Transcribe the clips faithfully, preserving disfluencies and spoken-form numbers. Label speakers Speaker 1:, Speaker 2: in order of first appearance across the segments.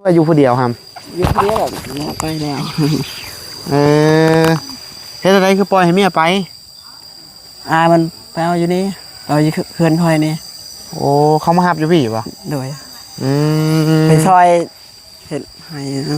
Speaker 1: ว่าอยู่ผู้เดียวครับ
Speaker 2: อยู่ผู้เดียวแบบเมียไปแล้ว
Speaker 1: เออเฮ็ดอะไรคือปล่อยให้เมียไป
Speaker 2: อามันไปเอาอยู่นี่เราอยู่เพื่อนคอยนี่
Speaker 1: โอ้เขามาหับอยู่พี่ป่ะ
Speaker 2: โดย
Speaker 1: อืม
Speaker 2: ไปซอยเห็ดให้นะ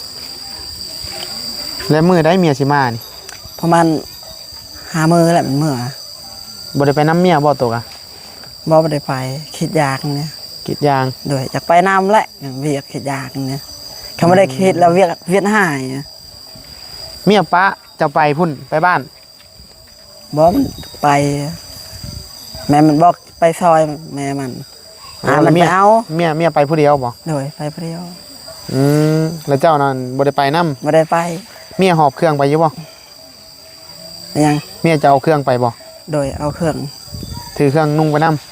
Speaker 1: แล้วมือได้เมียสิมานี่
Speaker 2: ประมาณหามือแหละมันเมื่อ
Speaker 1: บ่ได้ไปน้ำเมียบ่ตกอ่ะ
Speaker 2: บ่ได้ไปคิดยากเนี่ย
Speaker 1: คิดยาง
Speaker 2: โดยจากไปน้ำแหละเวียกคิดยากเนี่ยเขาไม่ได้คิดแล้วเวียกเวียนหาย
Speaker 1: เมียปะจะไปพุ่นไปบ้าน
Speaker 2: บ่มันไปแม่มันบอกไปซอยแม่มันอ่ามันไปเอา
Speaker 1: เมียเมียไปผู้เดียวบ่
Speaker 2: โดยไปผู้เดียว
Speaker 1: อืมแล้วเจ้านั่นบ่ได้ไปนำ
Speaker 2: บ่ได้ไป
Speaker 1: เมียหอบเครื่องไปอยู่บ่
Speaker 2: ยัง
Speaker 1: เมียจะเอาเครื่องไปบ่
Speaker 2: โดยเอาเครื่อง
Speaker 1: ถือเครื่องนุ่งไปนำ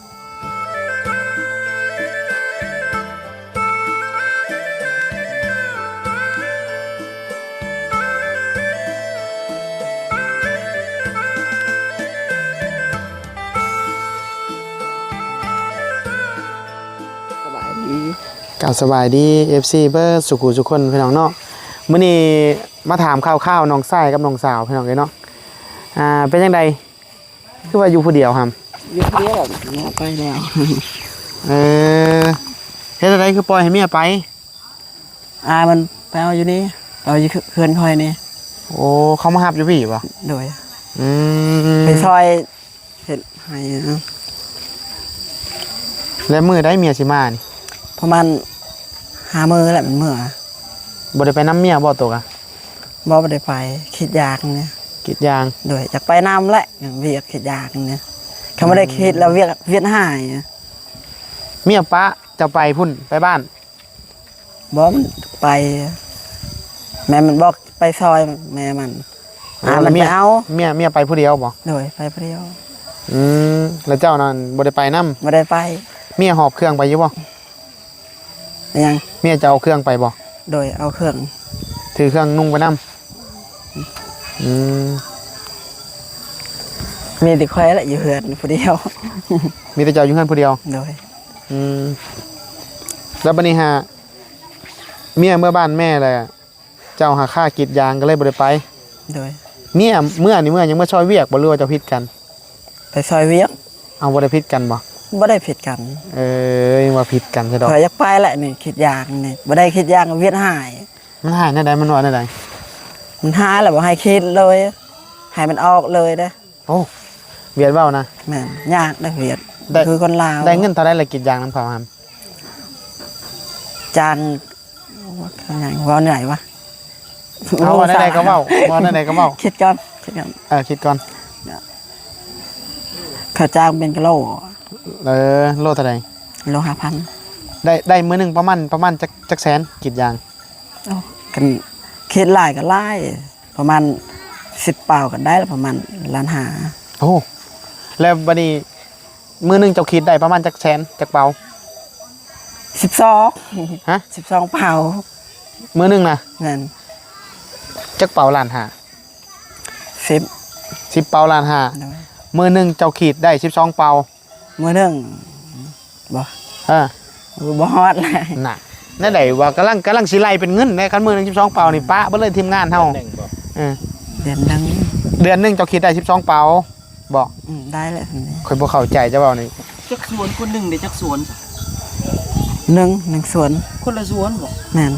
Speaker 1: กับสบายดี เอฟ ซี เบอร์สุขุสุคนพี่น้องเนาะมื้อนี้มาถามข่าวๆน้องชายกับน้องสาวพี่น้องเอ้ยเนาะอ่าเป็นจังไดคือว่าอยู่ผู้เดียวครับ
Speaker 2: อยู่ผู้เดียวแบบเมียไปแล้ว
Speaker 1: เออเฮ็ดอะไรคือปล่อยให้เมียไป
Speaker 2: อามันไปเอาอยู่นี่เราอยู่เพื่อนคอยนี่
Speaker 1: โอ้เขามาหับอยู่พี่ป่ะ
Speaker 2: โดย
Speaker 1: อืม
Speaker 2: ไปซอยเห็ดให้นะ
Speaker 1: แล้วมือได้เมียสิมานี่
Speaker 2: ประมาณหามือแหละมันเมื่อ
Speaker 1: บ่ได้ไปน้ำเมียบ่ตกอ่ะ
Speaker 2: บ่ได้ไปคิดยากเนี่ย
Speaker 1: คิดยาง
Speaker 2: โดยจากไปน้ำแหละเวียกคิดยากเนี่ยเขาไม่ได้คิดแล้วเวียกเวียนหาย
Speaker 1: เมียปะจะไปพุ่นไปบ้าน
Speaker 2: บ่มันไปแม่มันบอกไปซอยแม่มันอ่ามันไปเอา
Speaker 1: เมียเมียไปผู้เดียวบ่
Speaker 2: โดยไปผู้เดียว
Speaker 1: อืมแล้วเจ้านั่นบ่ได้ไปนำ
Speaker 2: บ่ได้ไป
Speaker 1: เมียหอบเครื่องไปอยู่บ่
Speaker 2: ยัง
Speaker 1: เมียจะเอาเครื่องไปบ่
Speaker 2: โดยเอาเครื่อง
Speaker 1: ถือเครื่องนุ่งไปนำอืม
Speaker 2: มีแต่คอยแหละอยู่เฮือนผู้เดียว
Speaker 1: มีแต่เจ้าอยู่เฮือนผู้เดียว
Speaker 2: โดย
Speaker 1: อืมแล้วบัดนี้ฮะเมียเมื่อบ้านแม่เลยเจ้าหาค่ากีดยางก็เลยบ่ได้ไป
Speaker 2: โดย
Speaker 1: เมียเมื่อนี่เมื่อยังเมื่อซอยเวียกบ่รู้ว่าจะผิดกัน
Speaker 2: ไปซอยเวียก
Speaker 1: เอาบ่ได้ผิดกันบ่
Speaker 2: บ่ได้ผิดกัน
Speaker 1: เอ้ยว่าผิดกันซะดอก
Speaker 2: ข่อยอยากไปแหละนี่คิดยากนี่บ่ได้คิดยากเวียนหาย
Speaker 1: มันหายแนวใดมันว่าแนวใด
Speaker 2: มันหายแล้วบ่ให้คิดเลยให้มันออกเลยเด้อ
Speaker 1: โอ้เวียดเว้านะ
Speaker 2: แม่นยากได้เวียดคือคนลาว
Speaker 1: ได้เงินเท่าใดละกีดยางนำเขาครับ
Speaker 2: จานว่าไงว่าไหนวะ
Speaker 1: เอาว่าได้ก็เว้าว่าได้ก็เว้า
Speaker 2: คิดก่อนคิดก่อน
Speaker 1: เออคิดก่อน
Speaker 2: ข้าจ้างเป็นกิโล
Speaker 1: เออโลเท่าใด
Speaker 2: โลห้าพัน
Speaker 1: ได้ได้มื้อนึงประมาณประมาณจักจักแสนกีดยาง
Speaker 2: โอ้กันคิดหลายก็หลายประมาณสิบเป่าก็ได้ประมาณล้านห้า
Speaker 1: โอ้แล้วบัดนี้มื้อนึงเจ้าคิดได้ประมาณจักแสนจักเป่า
Speaker 2: สิบสอง
Speaker 1: ฮะ
Speaker 2: สิบสองเป่า
Speaker 1: มื้อนึงน่ะ
Speaker 2: นั่น
Speaker 1: จักเป่าล้านห้า
Speaker 2: สิบ
Speaker 1: สิบเป่าล้านห้ามื้อนึงเจ้าขีดได้สิบสองเป่า
Speaker 2: มื้อนึงบ่
Speaker 1: เออ
Speaker 2: บ่ฮอดเลย
Speaker 1: น่ะนั่นได้ว่ากำลังกำลังสิไล่เป็นเงินในคันมื้อนึงสิบสองเป่านี่ปะเบิดเลยทีมงานเฮาเออ
Speaker 2: เดือนนึง
Speaker 1: เดือนนึงเจ้าขีดได้สิบสองเป่าบ่
Speaker 2: อืมได้แล้ว
Speaker 1: ข่อยบ่เข้าใจจะเว้านี่
Speaker 3: จักสวนคนนึงได้จักสวน
Speaker 2: หนึ่ง หนึ่งสวน
Speaker 3: คนละสวนบ่
Speaker 2: แม่น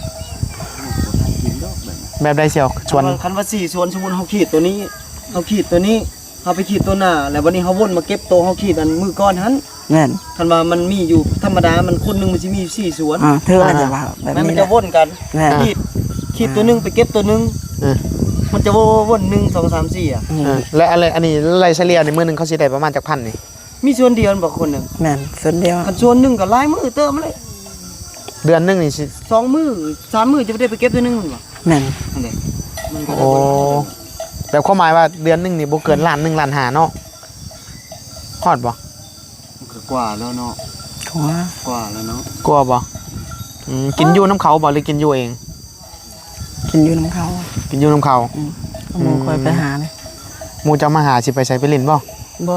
Speaker 1: แบบใดเสี่ยวสวน
Speaker 3: คันว่าสี่สวนสมมุติเฮาขีดตัวนี้เฮาขีดตัวนี้เฮาไปขีดตัวหน้าแล้ววันนี้เฮาวนมาเก็บโตเฮาขีดอันมือก้อนหั่น
Speaker 2: แม่น
Speaker 3: คันว่ามันมีอยู่ธรรมดามันคนนึงมันสิมีสี่สวน
Speaker 2: อ่าเธออาจจะว่าแบบนี้
Speaker 3: มันจะวนกันขีดขีดตัวนึงไปเก็บตัวนึง
Speaker 1: เออ
Speaker 3: มันจะวนหนึ่ง สอง สาม สี่อ่ะ
Speaker 1: เออและอะไรอันนี้ไล่เฉลี่ยในมื้อนึงเขาสิได้ประมาณจักพันนี่
Speaker 3: มีส่วนเดียวบ่คนนึง
Speaker 2: แม่นส่วนเดียว
Speaker 3: คันส่วนนึงก็หลายมื้อเติมเลย
Speaker 1: เดือนนึงนี่สิ
Speaker 3: สองมื้อสามมื้อจะได้ไปเก็บตัวนึงบ่
Speaker 2: แม่น
Speaker 3: นั่นแหละมันก็
Speaker 1: โอ้แบบความหมายว่าเดือนนึงนี่บ่เกินล้านหนึ่งล้านห้าเนาะฮอดบ่
Speaker 3: ก็กว่าแล้วเนาะ
Speaker 2: กว่
Speaker 3: ากว่าแล้วเนาะ
Speaker 1: กลัวบ่อืมกินอยู่น้ำเขาบ่หรือกินอยู่เอง
Speaker 2: กินอยู่น้ำเขา
Speaker 1: กินอยู่น้ำเขา
Speaker 2: อืมหมู่คอยไปหาเลย
Speaker 1: หมู่จะมาหาสิไปใช้ไปเล่นบ่
Speaker 2: บ่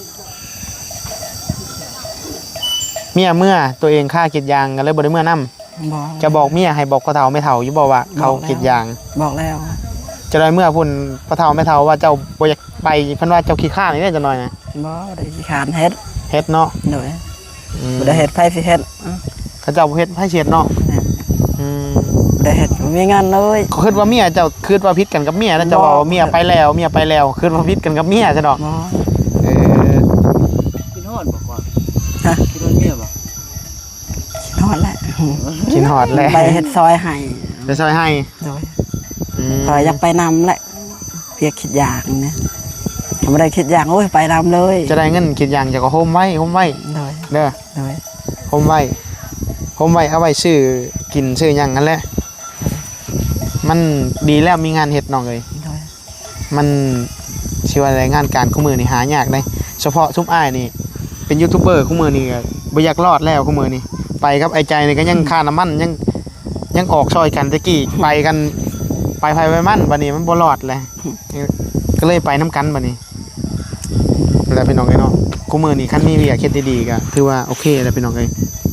Speaker 1: เมียเมื่อตัวเองค่ากิดยางกันเลยบ่ได้เมื่อนํ
Speaker 2: บอก
Speaker 1: จะบอกเมียให้บอกพ่อเฒ่าแม่เฒ่าอยู่บ่ว่าเขากรีดยาง
Speaker 2: บอกแล้ว
Speaker 1: จะได้เมื่อพุ่นพ่อเฒ่าแม่เฒ่าว่าเจ้าบ่อยากไปเพิ่นว่าเจ้าขี้ข้านนี่ได้จังหน่อยนะ
Speaker 2: บอกได้สิขานเฮ็ด
Speaker 1: เฮ็ดเนาะ
Speaker 2: โดย
Speaker 1: อืม
Speaker 2: บ่ได้เฮ็ดไผสิเฮ็ดอ่ะ
Speaker 1: เขาเจ้าบ่เฮ็ดให้เช็ดเนาะอืม
Speaker 2: บ่ได้เฮ็ดบ่มีงานเลย
Speaker 1: เขาคิดว่าเมียเจ้าคิดว่าผิดกันกับเมียแล้วเจ้าว่าเมียไปแล้วเมียไปแล้วคิดว่าผิดกันกับเมียซะดอก
Speaker 2: บ่
Speaker 1: เออ
Speaker 3: กินฮอดบอกว่า
Speaker 2: ฮะ
Speaker 3: กินฮอดเมียบ่
Speaker 2: นอนแล้ว
Speaker 1: กินฮอดแล้ว
Speaker 2: ไปเฮ็ดซอยให้
Speaker 1: ไปซอยให้
Speaker 2: โดย
Speaker 1: อืม
Speaker 2: พออยากไปนำแหละเพียกคิดอยากนะถ้าบ่ได้คิดอยากโอ้ยไปนำเลย
Speaker 1: จะได้เงินกรีดยางเจ้าก็โฮมไว้โฮมไว้
Speaker 2: โดย
Speaker 1: เด้อ
Speaker 2: โดย
Speaker 1: โฮมไว้โฮมไว้เอาไว้ซื้อกินซื้อหยังนั่นแหละมันดีแล้วมีงานเฮ็ดน้องเอ้ย
Speaker 2: โดย
Speaker 1: มันชื่อว่าอะไรงานการคู่มือนี่หายากได้เฉพาะซุปอ้ายนี่เป็นยูทูบเบอร์คู่มือนี่ก็บ่อยากรอดแล้วคู่มือนี่ไปกับไอ้ใจนี่ก็ยังค่าน้ำมันยังยังออกซอยกันตะกี้ไปกันไปไผไปมันบัดนี้มันบ่รอดเลยก็เลยไปน้ำกันบัดนี้แล้วพี่น้องเอ้ยเนาะคู่มือนี่คันมีเวียกเฮ็ดดีๆก็ถือว่าโอเคแล้วพี่น้องเอ้ย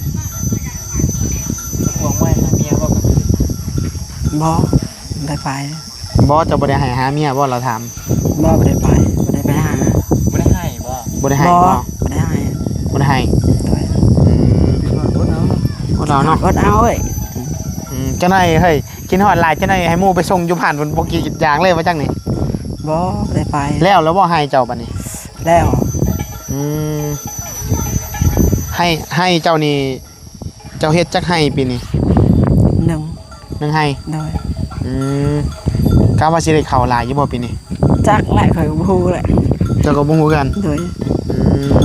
Speaker 1: ห่วงไว้หาเมียบ่กัน
Speaker 2: บ่ได้ไป
Speaker 1: บ่จะบ่ได้ให้หาเมียบ่เราถาม
Speaker 2: บ่บ่ได้ไปบ่ได้ไปหา
Speaker 3: บ่ได้ให้บ่
Speaker 1: บ่ได้ให้
Speaker 2: บ่
Speaker 1: บ่
Speaker 2: บ่ได้ให้
Speaker 1: บ่ได้ให้
Speaker 2: โดย
Speaker 1: อืม
Speaker 3: บ่เอา
Speaker 1: บ่เราเนาะ
Speaker 2: อดเอาเอ้ย
Speaker 1: อืมจังได๋เฮ้ยกินฮอดหลายจังได๋ให้หมู่ไปส่งอยู่ผ่านบนบ่กี่อย่างเลยว่าจังนี่
Speaker 2: บ่ได้ไป
Speaker 1: แล้วแล้วบ่ให้เจ้าบัดนี้
Speaker 2: แล้ว
Speaker 1: อืมให้ให้เจ้านี่เจ้าเฮ็ดจักให้ปีนี้
Speaker 2: หนึ่ง
Speaker 1: นึงให้
Speaker 2: โดย
Speaker 1: อืมกะว่าสิได้เข้าหลายอยู่บ่ปีนี้
Speaker 2: จักแหละข่อยก็บ่ฮู้แหละ
Speaker 1: เจ้าก็บ่ฮู้กัน
Speaker 2: โดย
Speaker 1: อืม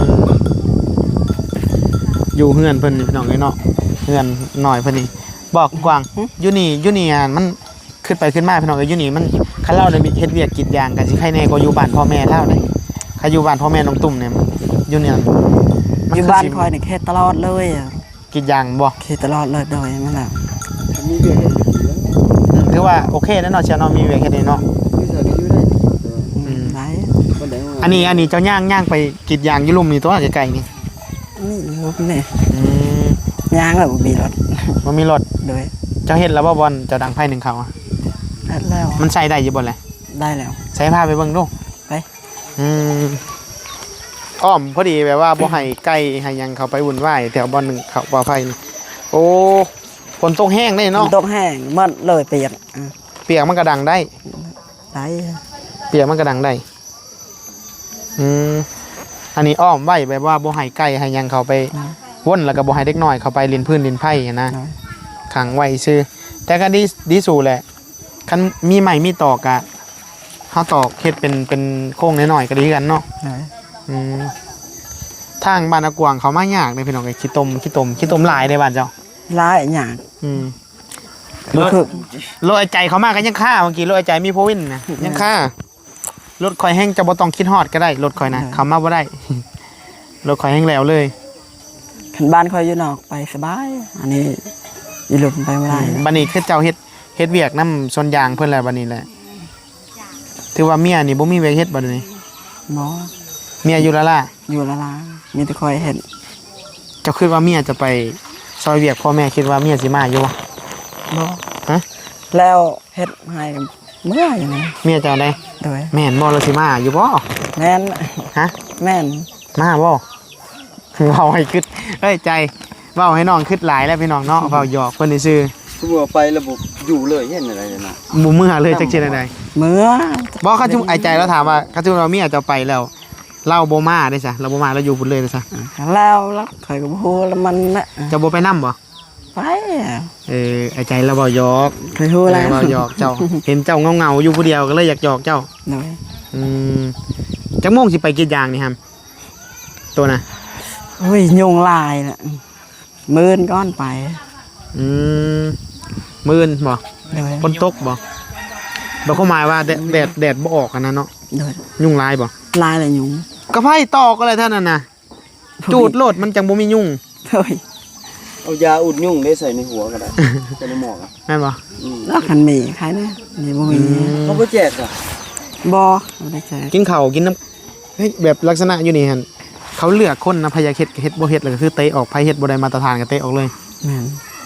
Speaker 1: อยู่เฮือนเพิ่นนี่พี่น้องเอ้ยเนาะเฮือนน้อยเพิ่นนี่บอกกว้างอยู่นี่อยู่นี่อ่ะมันขึ้นไปขึ้นมาพี่น้องเอ้ยอยู่นี่มันคันเราได้มีเฮ็ดเวียกกรีดยางก็สิใครแน่กว่าอยู่บ้านพ่อแม่เท่าเลยใครอยู่บ้านพ่อแม่น้องตุ่มเนี่ยอยู่เนี่ยมั
Speaker 2: อยู่
Speaker 1: คื
Speaker 2: บ้าน
Speaker 1: สิ
Speaker 2: คอยนี่เฮ็ดตลอดเลยอ่ะ
Speaker 1: กรีดยางบ่
Speaker 2: เฮ็ดตลอดเลยโดยมันล่ะ
Speaker 3: มีเวียกเฮ็ดอยู่แล้ว
Speaker 1: อืมถือว่าโอเคแล้วเนาะเชียวเนาะมีเวียกแค่นี้เนาะ
Speaker 3: อยู่ใส่ก็อยู่ได้
Speaker 2: อืมได้
Speaker 3: บ่ได้ว่า
Speaker 1: อันนี้อันนี้เจ้าย่างย่างไปกรีดยางอยู่ลุ่มนี่ตัวไกลๆนี่
Speaker 2: นี่รูปนี่
Speaker 1: อืม
Speaker 2: ยางแล้วบ่มีรถ
Speaker 1: บ่มีรถ
Speaker 2: โดย
Speaker 1: เจ้าเฮ็ดแล้วบ่บอลเจ้าดังไผหนึ่งเขาอะ
Speaker 2: เฮ็ดแล้ว
Speaker 1: มันใช้ได้อยู่บ่แหละ
Speaker 2: ได้แล้ว
Speaker 1: ใช้พาไปเบิ่งดู
Speaker 2: ไป
Speaker 1: อืมอ้อมพอดีแบบว่าบ่ให้ไก่ให้หยังเขาไปวุ่นวายแถวบ่อนหนึงเขาบ่อไฟนี่โอ้ฝนตกแห้งได้
Speaker 2: มัน
Speaker 1: เนาะ
Speaker 2: ตกแห้งหมดเลยเปียกอ่ะ
Speaker 1: เปียกมันก็ดังได้
Speaker 2: ได้
Speaker 1: เปียกมันก็ดังได้ อืม อันนี้อ้อมไว้แบบว่าบ่ให้ไก่ให้หยังเขาไปวนแล้วก็บ่ให้เด็กน้อยเขาไปลินพื้นลินไผ่นะ
Speaker 2: ได้
Speaker 1: ขังไว้ซื่อแต่ก็ดีดีสู่แหละคันมีไม้มีตอกอะเฮาตอกเฮ็ดเป็นเป็นโค้งน้อยๆก็ดีกันเนาะ
Speaker 2: ได้
Speaker 1: อืม ทางบ้านอากวางเขามายากเลยพี่น้องไอ้ขี้ตมขี้ตมขี้ตมหลายในบ้านเจ้า
Speaker 2: หลายอย่าง
Speaker 1: อืม
Speaker 2: บ่คือ
Speaker 1: รถไอ้ใจเขามากก็ยังค่าเมื่อกี้รถไอ้ใจมีโพวินนะยังค่ารถคอยแห้งจะบ่ต้องคิดฮอดก็ได้รถคอยนะเขามาบ่ได้ รถคอยแห้งแล้วเลย
Speaker 2: คันบ้านคอยอยู่นอกไปสบาย อันนี้อยู่หลุมไปบ่ได้
Speaker 1: บัดนี้คือเจ้าเฮ็ดเฮ็ดเวียกนำสวนยางเพิ่นแล้วบัดนี้แหละถือว่าเมียนี่บ่มีเวียกเฮ็ดบัดนี้
Speaker 2: หมอ
Speaker 1: เมียอยู่ละล่ะ
Speaker 2: อยู่ละลามีแต่คอยเห็น
Speaker 1: เจ้าคิดว่าเมียจะไปซอยเวียกพ่อแม่คิดว่าเมียสิมาอยู่บ่
Speaker 2: บ่
Speaker 1: ฮะ
Speaker 2: แล้วเฮ็ดให้เมื่ออย่างนี้
Speaker 1: เมียเจ้าได้
Speaker 2: โดย
Speaker 1: แม่นบ่เราสิมาอยู่บ่
Speaker 2: แม่น
Speaker 1: ฮะ
Speaker 2: แม่น
Speaker 1: มาบ่เว้าให้คิดเอ้ยใจเว้าให้น้องคิดหลายแล้วพี่น้องเนาะเว้าหยอกเพิ่นซื่อ
Speaker 3: คือว่าไประบบอยู่เลยเห็นอะไรเนี่ยนะ
Speaker 1: ๆบ่เมื่อเลยจักเช่นใด
Speaker 2: เมื่อ
Speaker 1: บ่เขาจุไอ้ใจแล้วถามว่าเขาจุเราเมียจะไปแล้วเล่าบ่มาได้ซะเราบ่มาเราอยู่พุ่นเลยได้ซะ
Speaker 2: แล้วแล้วคอยก็บ่ฮู้แล้วมันน่ะ
Speaker 1: จะบ่ไปนํบ่
Speaker 2: ไปอะ
Speaker 1: เออไอ้ใจเราเว้าหยอก
Speaker 2: เคยฮู้แล้ว
Speaker 1: เว้าหยอกเจ้า เห็นเจ้าเงาๆอยู่ผู้เดียวก็เลยอยากหยอกเจ้า
Speaker 2: โดย
Speaker 1: อืมจักโมงสิไปกรีดยางนี่ฮัมตัวน่ะ
Speaker 2: โอ้ยยุงลายน่ะมื่นก้อนไป
Speaker 1: อืมมื้นบ่
Speaker 2: โดย
Speaker 1: ฝนตกบ่บ่เข้าหมายว่าแดดแดดแดดบ่ออกกันนะเนาะ
Speaker 2: โดย
Speaker 1: ยุ่งลายบ่
Speaker 2: ลายละยุง
Speaker 1: ก็ไผตอกอะไรเท่านั้นน่ะจูดโลดมันจังบ่มียุ่ง
Speaker 2: โดย
Speaker 3: เอายาอุดยุ่งได้ใส่ในหัวก็ได้ใส่ในหมอกอ่ะ
Speaker 1: แม่นบ่
Speaker 3: อืม
Speaker 2: แล้วคันหมีใครเนี่ยนี่บ่มี
Speaker 3: เขาบ่แจกอ่ะ
Speaker 2: บ่บ่ได้แจก
Speaker 1: กินข้าวกินน้ำเฮ้ยแบบลักษณะอยู่นี่หั่นเขาเลือกคนนะพยาเฮ็ดก็เฮ็ดบ่เฮ็ดแล้วก็คือเตะออกไผเฮ็ดบ่ได้มาตรฐานก็เตะออกเลย
Speaker 2: แม่น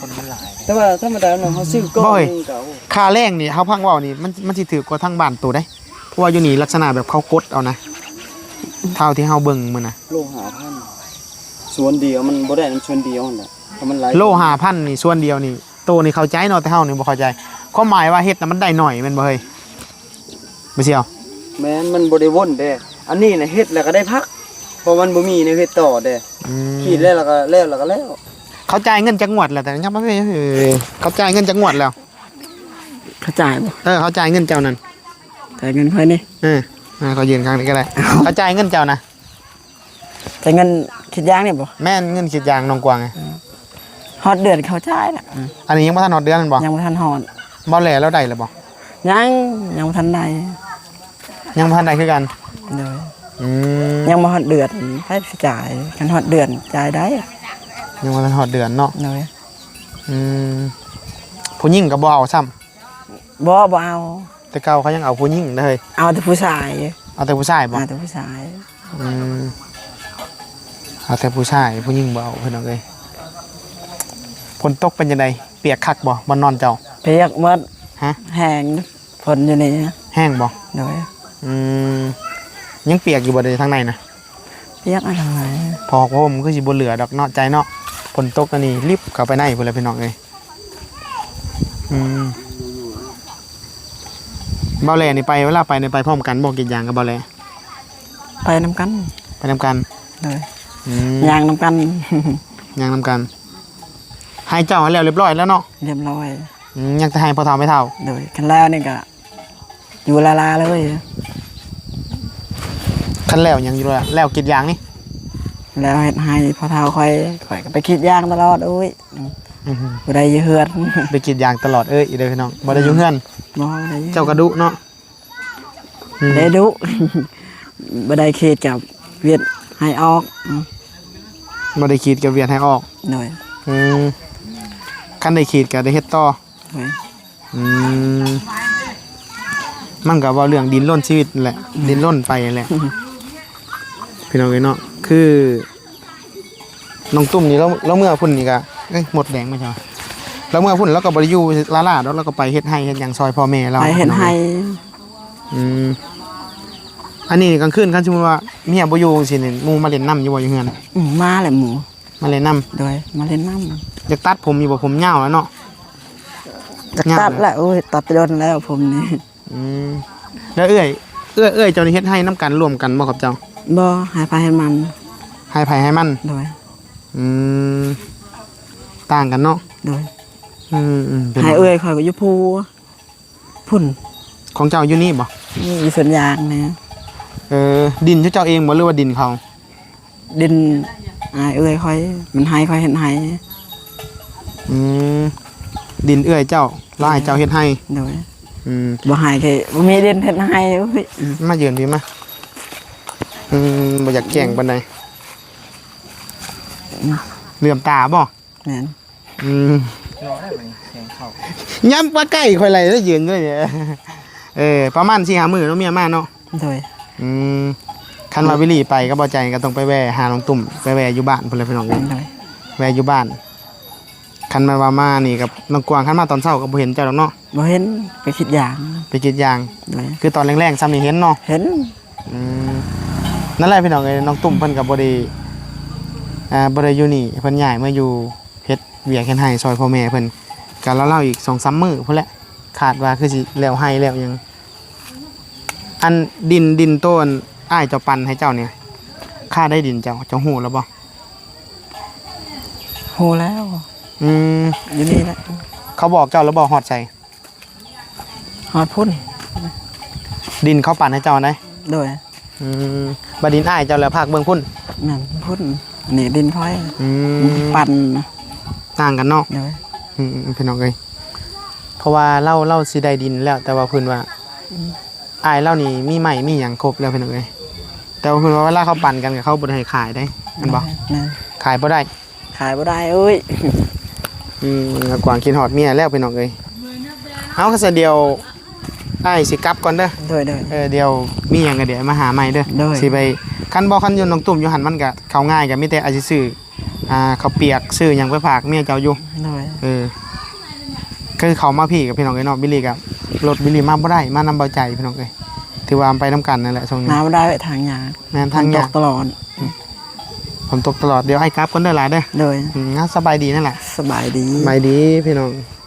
Speaker 3: คนมันหลายแต่ว่าธรรมดาเนาะเฮาซื้อก้อนนึงก็
Speaker 1: ค่าแรงนี่เฮาพังเว้านี่มันมันสิถือกว่าทางบ้านตัวได้เพราะว่าอยู่นี่ลักษณะแบบเขากดเอานะเท่าที่เฮาเบิ่งมื้อน่ะ
Speaker 3: โลหะพันส่วนเดียวมันบ่ได้นำส่วนเดียวนั่นแหละเพราะมันหลาย
Speaker 1: โลห้าพันนี่ส่วนเดียวนี่โตนี่เข้าใจเนาะแต่เฮานี่บ่เข้าใจความหมายว่าเฮ็ดน่ะมันได้หน่อยแม่นบ่เฮ้ยบ่เสี่ยว
Speaker 3: แม่นมันบ่ได้วนเด้อันนี้น่ะเฮ็ดแล้วก็ได้พักเพราะมันบ่มีในเฮ็ดต่อเด้
Speaker 1: อืม
Speaker 3: ขีดแล้วแล้วก็แล้วแล้วก็แล้ว
Speaker 1: เขาจ่ายเงินจักงวดแล้วแต่ยังบ่เฮ้ยเขาจ่ายเงินจักงวดแล้ว
Speaker 2: เขาจ่ายบ่
Speaker 1: เออเขาจ่ายเงินเจ้านั่น
Speaker 2: จ่ายเงินเพิ่นนี่
Speaker 1: เอออ่าเขายืนข้างนี้ก็ได้เขาจ่ายเงินเจ้านะ
Speaker 2: จ่ายเงินคิดยางนี่บ่
Speaker 1: แม่นเงินคิดยางน้องกวางไง
Speaker 2: ฮอดเดือนเขาจ่ายน่ะอืม
Speaker 1: อันนี้ยังบ่ทันฮอดเดือนนั่นบ่
Speaker 2: ยังบ่ทันฮอด
Speaker 1: บ่แลแล้วได้แล้วบ่
Speaker 2: ยังยังบ่ทันได้
Speaker 1: ยังบ่ทันได้คือกัน
Speaker 2: เด้อ
Speaker 1: อืม
Speaker 2: ยังบ่ฮอดเดือนไผสิจ่ายคันฮอดเดือนจ่ายได้
Speaker 1: ยังบ่ทันฮอดเดือนเนาะ
Speaker 2: เด้อ
Speaker 1: อืมผู้หญิงก็บ่เอาซ้ำ
Speaker 2: บ่บ่เอา
Speaker 1: แต่เก่าเขายังเอาผู้หญิงได้เฮ้ย
Speaker 2: เอาแต่ผู้ชาย
Speaker 1: เอาแต่ผู้ชายบ่
Speaker 2: เอาแต่ผู้ชาย
Speaker 1: อืมเอาแต่ผู้ชายผู้หญิงบ่เอาเพิ่นเอาเลยฝนตกเป็นจังไดเปียกคักบ่บ่นอนเจ้า
Speaker 2: เปียกหมด
Speaker 1: ฮะ
Speaker 2: แห้งฝนอยู่นี่
Speaker 1: แห้งบ่
Speaker 2: เด้อ
Speaker 1: อืมยังเปียกอยู่บ่ได้ทางในนะ
Speaker 2: เปียกอะไร
Speaker 1: พอเพราะผมนคือสิบ่เหลือดอกเนาะใจเนาะฝนตกอันนี้รีบเข้าไปในพุ่นแหละพี่น้องเอ้ยอืมเบาแลนี่ไปเวลาไปนี่ไปพร้อมกันบ่กินยางกับเบาแล
Speaker 2: ไปนำกัน
Speaker 1: ไปนํกัน
Speaker 2: เด้อ
Speaker 1: อืม
Speaker 2: ยางนำกัน
Speaker 1: ยางนํกันให้เจ้าให้แล้วเรียบร้อยแล้วเนาะ
Speaker 2: เรียบร้อย
Speaker 1: อืมยังจะให้พอเฒ่าไม่เฒ่า
Speaker 2: เด้อคันแล้วนี่ก็อยู่ลาลาเลย
Speaker 1: คันแล้วยังอยู่แล้วแล้วกินยางนี่
Speaker 2: แล้วเฮ็ดให้พอเฒ่าค่อยค่อยก็ไปคิดยางตลอดโอ้ย
Speaker 1: อื้อหือ
Speaker 2: บ่ได้อยู่เฮือน
Speaker 1: ไปกินยางตลอดเอ้ยอีเด้อพี่น้องบ่ได้อยู่เฮือน
Speaker 2: บ่ได้อยู่
Speaker 1: เจ้ากระดุเนาะอืม
Speaker 2: ได้ดุ บ่ได้เขตกับเวียดให้ออกอืม
Speaker 1: บ่ได้ขีดกับเวียนให้ออก
Speaker 2: หน่อย
Speaker 1: อืมคันได้ขีดก็ได้เฮ็ดต่อ
Speaker 2: หน่อย
Speaker 1: อืมมันก็เว่าเรื่องดินร่นชีวิตนั่นแหละ ดินร่นไปนั่นแหละ พี่น้องเอ้ยเนาะคือน้องตุ้มนี่เราเราเมื่อพุ่นนี่ก็เอ้ยหมดแดงไหมใช่ไหมเราเมื่อพุ่นแล้วก็บริยูลาลาแล้วเราก็ไปเฮ็ดให้เฮ็ดหยังซอยพ่อแม่เรา
Speaker 2: ไปเห็นให้
Speaker 1: อืมอันนี้กลางคืนคันสมมุติว่าเมียบ่อยู่จังซี่นี่หมู่มาเล่นน้ำอยู่บ่อยู่เฮือน
Speaker 2: อืมมาแหละหมู
Speaker 1: มาเล่นน้ำ
Speaker 2: โดยมาเล่นน้ำ
Speaker 1: อยากตัดผมอยู่บ่ผมยาวแล้วเนาะ
Speaker 2: จะตัดแล้วโอ้ยตัดไปโดนแล้วผมนี่
Speaker 1: อืมแล้วเอ้ยเอ้ยเอ้ยเจ้านี่เฮ็ดให้น้ำกันรวมกันบ่ครับเจ้า
Speaker 2: บ่หายไปให้มัน
Speaker 1: ให้ไผให้มัน
Speaker 2: โดย
Speaker 1: อืมต่างกันเนาะ
Speaker 2: โดย
Speaker 1: อืมอืมป็น
Speaker 2: ให้เอ้ยข่อยก็อยู่ภูพุ่น
Speaker 1: ของเจ้าอยู่นี่บ่
Speaker 2: นี่อยู่สวนยางนะ
Speaker 1: เออดินเจ้าเองบ่หรือว่าดินเขา
Speaker 2: ดินอายเอ้ยค่อยมันให้ค่อยเห็นให้
Speaker 1: อืมดินเอื้อยเจ้าแล้วให้เจ้าเฮ็ดให้
Speaker 2: โดย
Speaker 1: อืม
Speaker 2: บ่ให้แค่บ่มีดินเฮ็ดให้โอ้ยอืม
Speaker 1: มายืนพี่มาอืมบ่อยากแจ้งปานใดเหลื่อมตาบ่
Speaker 2: แม่น
Speaker 1: อืมย้ำว่าใกล้ค่อยไหลแล้วยืนด้วยเนี่ยเออประมาณสี่ห้ามื้อเนาะเมียมาเนาะ
Speaker 2: โดย
Speaker 1: อืมคันว่าวิลลี่ไปก็บ่ใจก็ต้องไปแวะหาน้องตุ่มไปแวะอยู่บ้านพุ่นเลยพี่น้อง
Speaker 2: โดย
Speaker 1: แวะอยู่บ้านคันมาว่ามานี่กับน้องกวางคันมาตอนเช้าก็บ่เห็นเจ้าดอกเนาะ
Speaker 2: บ่เห็นไปคิดอย่าง
Speaker 1: ไปกรีดยาง
Speaker 2: โดย
Speaker 1: คือตอนแรงๆซ้ำนี่เห็นเนาะ
Speaker 2: เห็น
Speaker 1: อืมนั่นแหละพี่น้องเอ้ยน้องตุ่มเพิ่นก็บ่ได้อ่าบ่ได้อยู่นี่เพิ่นย้ายมาอยู่เฮ็ดเวียกเฮ็ดไร่ซอยพ่อแม่เพิ่นก็เล่าๆอีก สองสาม มื้อพุ่นแหละคาดว่าคือสิแล้วไร่แล้วหยังอันดินดินต้นอ้ายเจ้าปันให้เจ้าเนี่ยค่าได้ดินเจ้าเจ้าฮู้แล้วบ่
Speaker 2: โหแล้ว
Speaker 1: อืม
Speaker 2: อยู่นี่แหละ
Speaker 1: เขาบอกเจ้าแล้วบ่ฮอดใส่
Speaker 2: ฮอดพุ่น
Speaker 1: ดินเขาปันให้เจ้าได้
Speaker 2: โดย
Speaker 1: อืมบัดดินอ้ายเจ้าแล้วภาคเบิ่งพุ่น
Speaker 2: นั่นพุ่นอันนี้ดินค่อย
Speaker 1: อืม
Speaker 2: ปั่น
Speaker 1: ต่างกันเนาะ
Speaker 2: โดย
Speaker 1: อืมพี่น้องเอ้ยเพราะว่าเล่าเล่าสิได้ดินแล้ว แต่ว่าเพิ่นว่าอายเล่านี่มีใหม่มีหยังครบแล้วพี่น้องเอ้ยแต่ว่าเพิ่นว่าเวลาเขาปั่นกันกับเขาบ่ได้ให้ขายได้แม่นบ่
Speaker 2: แม่น
Speaker 1: ขายบ่ได้
Speaker 2: ขายบ่ได้เอ้ย
Speaker 1: อืมแล้วกวางกินฮอดเมียแล้วพี่น้องเอ้ยเอาก็ซะเดียวอ้ายสิกลับก่อนเด้อ
Speaker 2: โดยโดย
Speaker 1: เออเดี๋ยวมีหยังก็เดี๋ยวมาหาใหม่เด้อ
Speaker 2: ได้
Speaker 1: สิไปคันบ่คันอยู่น้องตุ่มอยู่หันมันก็เข้าง่ายก็มีแต่อาจสิซื้ออ่าข้าวเปียกซื้อหยังไปฝากเมียเจ้าอยู่
Speaker 2: โดย
Speaker 1: เออคือเขามาพี่กับพี่น้องเอ้ยเนาะบิลลี่กับรถบิลลี่มาบ่ได้มานำเบาใจพี่น้องเอ้ยถือว่าไปน้ำกันนั่นแหละช่วงนี้
Speaker 2: น้ำได้ไปทางยาก
Speaker 1: แม่นทาง
Speaker 2: ต
Speaker 1: ยาก
Speaker 2: กตลอด
Speaker 1: ผมตกตลอดเดี๋ยวไอ้กราฟคนได้หลายเด้อ
Speaker 2: โดย
Speaker 1: อืมงั้นสบายดีนั่นแหละ
Speaker 2: สบายดี
Speaker 1: สบายดีพี่น้อง